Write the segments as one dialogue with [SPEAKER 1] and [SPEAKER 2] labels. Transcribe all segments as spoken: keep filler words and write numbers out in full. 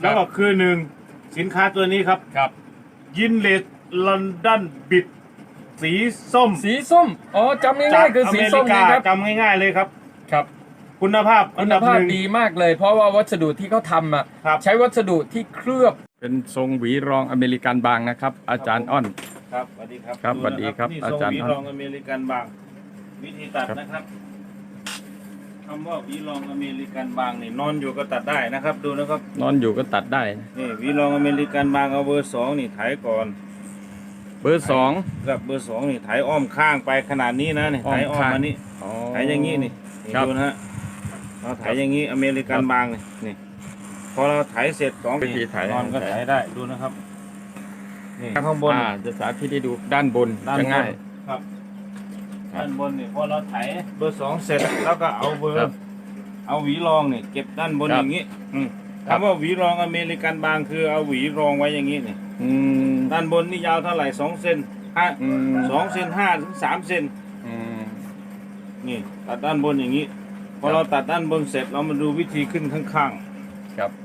[SPEAKER 1] แล้วก็คือหนึ่งสินค้าตัวนี้ครับ
[SPEAKER 2] ครับ
[SPEAKER 1] ยินเลสลอนดอนบิดสีส้ม
[SPEAKER 2] สีส้มอ๋อจำง่ายๆคือสีส้มนะครับ
[SPEAKER 1] จำง่ายๆเลยครับ
[SPEAKER 2] ครับ
[SPEAKER 1] คุณภาพ
[SPEAKER 2] คุณภาพดีมากเลยเพราะว่าวัสดุที่เขาทำอ่ะใช้วัสดุที่เคลือบเป็นทรงหวีรองอเมริกันบางนะครับอาจารย์อ้อน
[SPEAKER 1] ครับสวัสดีครับ
[SPEAKER 2] ครับสวัสดีครับอาจารย์
[SPEAKER 1] อ้อนหวีรองอเมริกันบางวิธีตัดนะครับคำว่าหวีรองอเมริกันบางนี่นอนอยู่ก็ตัดได้นะครับดูนะครับ
[SPEAKER 2] นอนอยู่ก็ตัดได้
[SPEAKER 1] นี่หวีรองอเมริกันบางเอาเบอร์สองนี่ไถก่อน
[SPEAKER 2] เบอร์สอง
[SPEAKER 1] กับเบอร์สองนี่ไถอ้อมข้างไปขนาดนี้นะนี่ไถอ้อมมานี่ไถอย่างนี้นี่ดูนะฮะเราไถอย่างนี้อเมริกันบางนี่นี่พอเราไถเสร็จสอง
[SPEAKER 2] วิธีไถ
[SPEAKER 1] นอนก็ไถได้ดูนะครับนี่ข้างบน
[SPEAKER 2] จะสาธิตให้ดูด้านบนจะง่าย
[SPEAKER 1] ครับด้านบนนี่พอเราไถเบอร์สองเสร็จแล้วก็เอาเบอร์เอาหวีรองนี่เก็บด้านบนอย่างนี้คำว่าหวีรองอเมริกันบางคือเอาหวีรองไว้อย่างนี้นี่ด้านบนนี่ยาวเท่าไหร่สองเซนห้าสองเซนห้าถึงสามเซนนี่ตัดด้านบนอย่างนี้พอเราตัดด้านบนเสร็จเรามาดูวิธีขึ้นข้าง
[SPEAKER 2] ๆครับ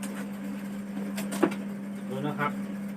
[SPEAKER 1] ดูนะครับ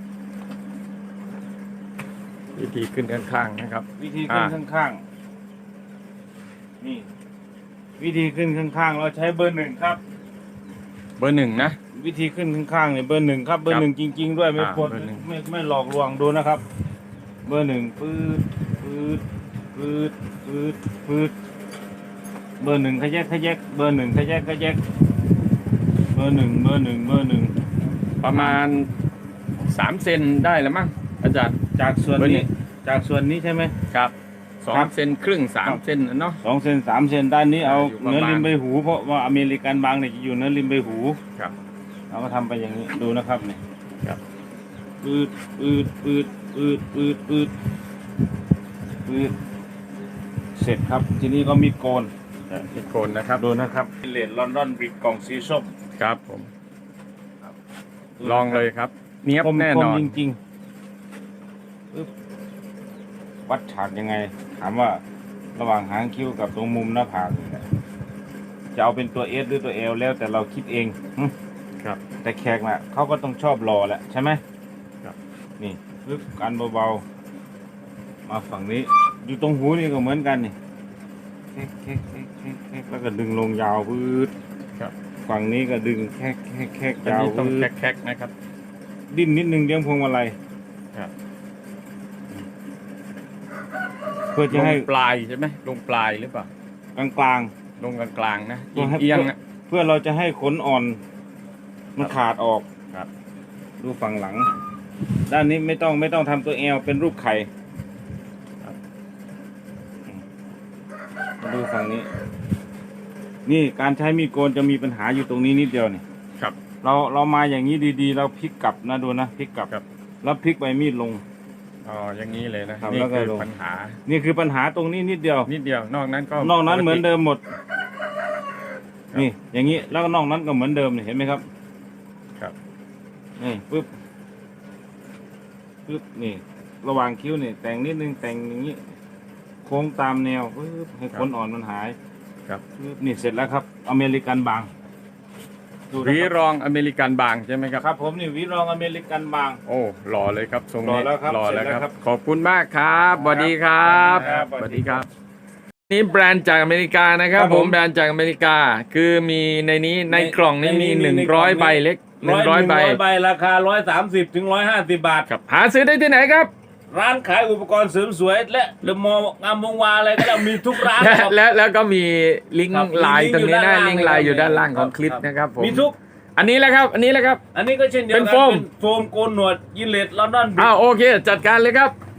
[SPEAKER 2] วิธีขึ้นข้างๆนะครับ
[SPEAKER 1] วิธีขึ้นข้างๆนี่วิธีขึ้นข้างๆเราใช้เบอร์หนึ่งครับ
[SPEAKER 2] เบอร์หนึ่งนะ
[SPEAKER 1] วิธีขึ้นข้างๆเนี่ยเบอร์หนึ่งครับเบอร์หนึ่งจริงๆด้วยไม่ปวดไม่ไม่หลอกลวงดูนะครับเบอร์หนึ่งปื๊ดปื๊ดปื๊ดปื๊ดปื๊ดเบอร์หนึ่งขยักขยักเบอร์หนึ่งขยักขยักเบอร์หนึ่งเบอร์หนึ่งเบอร์หนึ่ง
[SPEAKER 2] ประมาณสามเซนได้แล้วมั้งอาจารย์
[SPEAKER 1] จากส่วนนี้จากส่วนนี้ใช่ไหม
[SPEAKER 2] ครับสองเซนครึ่งสามเซนเนาะ
[SPEAKER 1] สองเซนสามเซนด้านนี้เอาเนื้อริมใบหูเพราะว่าอเมริกันบางเนี่ยจะอยู่เนื้อริมใบหู
[SPEAKER 2] ครับ
[SPEAKER 1] เราก็ทำไปอย่างนี้ดูนะครับเนี่ย
[SPEAKER 2] ครับ
[SPEAKER 1] ปืดปืดปืดปืดปืดปืดปืดเสร็จครับทีนี้ก็มีโกน
[SPEAKER 2] มีโกนนะครับ
[SPEAKER 1] ดูนะครับเลดลอนดอนบิดกล่องสีส้ม
[SPEAKER 2] ครับผมลองเลยครับเนี้ยบแน่นอน
[SPEAKER 1] จริงๆวัดฉากยังไงถามว่าระหว่างหางคิ้วกับตรงมุมหน้าผากจะเอาเป็นตัวเอสหรือตัวเอลแล้วแต่เราคิดเอง
[SPEAKER 2] ครับ
[SPEAKER 1] แต่แขกน่ะเขาก็ต้องชอบรอแหละใช่ไหม
[SPEAKER 2] ครับ
[SPEAKER 1] นี่ปึ๊บกันเบาๆมาฝั่งนี้อยู่ตรงหูนี่ก็เหมือนกันนี่แค่แค่แค่แค่แค่แล้วก็ดึงลงยาวพืด
[SPEAKER 2] ครับ
[SPEAKER 1] ฝั่งนี้ก็ดึงแค่แค่แค่ยาว
[SPEAKER 2] ต้องแค่แค่นะครับ
[SPEAKER 1] ดิ้นนิดนึงเลี้ยงพวงมาลัย
[SPEAKER 2] ครับ
[SPEAKER 1] เพื่อจะให้
[SPEAKER 2] ปลายใช่ไหมลงปลายหรือเปล่
[SPEAKER 1] ากลางกลาง
[SPEAKER 2] ลงกลางกลางนะเอียง
[SPEAKER 1] เพื่อเราจะให้ขนอ่อนมันขาดออก
[SPEAKER 2] ครับ
[SPEAKER 1] ดูฝั่งหลังด้านนี้ไม่ต้องไม่ต้องทำตัวเอลเป็นรูปไข่ดูฝั่งนี้นี่การใช้มีดโกนจะมีปัญหาอยู่ตรงนี้นิดเดียวนี่
[SPEAKER 2] ครับ
[SPEAKER 1] เราเรามาอย่างนี้ดีๆเราพลิกกลับนะดูนะพลิกกลับแล้วพลิกใบมีดลง
[SPEAKER 2] อ๋ออย่างนี้เลยนะนี่คือปัญหา
[SPEAKER 1] นี่คือปัญหาตรงนี้นิดเดียว
[SPEAKER 2] นิดเดียวนอกนั้นก็
[SPEAKER 1] นอกนั้นเหมือนเดิมหมดนี่อย่างนี้แล้วก็นอกนั้นก็เหมือนเดิมเห็นไหมครับ
[SPEAKER 2] ครับ
[SPEAKER 1] นี่ปึ๊บปึ๊บนี่ระหว่างคิ้วนี่แต่งนิดนึงแต่งอย่างนี้โค้งตามแนวปึ๊บให้ขนอ่อนมันหาย
[SPEAKER 2] ครับ
[SPEAKER 1] นี่เสร็จแล้วครับอเมริกันบาง
[SPEAKER 2] หวีรองอเมริกันบางใช่ไหมครับ
[SPEAKER 1] ครับผมนี่หวีรองอเมริกันบาง
[SPEAKER 2] โอ้หล่อเลยครับทรงนี้
[SPEAKER 1] หล่อแล้วครับ
[SPEAKER 2] หล่อแล้วครับขอบคุณมากครับสวัสดีครับสวัสดีครับนี่แบรนด์จากอเมริกานะครับผมแบรนด์จากอเมริกาคือมีในนี้ในกล่องนี้มีหนึ่งร้อยใบเล็กหนึ่งร้อยใบ
[SPEAKER 1] ใบราคาร้อยสามสิบถึงร้อยห้าสิบบาท
[SPEAKER 2] ครับหาซื้อได้ที่ไหนครับ
[SPEAKER 1] ร้านขายอุปกรณ์เสริมสวยและเดอะมอลล์งามวงวานอะไรก็ได้มีทุกร้าน
[SPEAKER 2] แล้วแล้วก็มีลิงก์ไลน์ตรงนี้นะลิงก์ไลน์อยู่ด้านล่างของคลิปนะครับผม
[SPEAKER 1] มีทุก
[SPEAKER 2] อันนี้แหละครับอันนี้แหละครับ
[SPEAKER 1] อันนี้ก็เช่นเดียวกันเป็นโฟมโกนหนวดยินเลสลอนดอน
[SPEAKER 2] อ้าวโอเคจัดการเลยครับ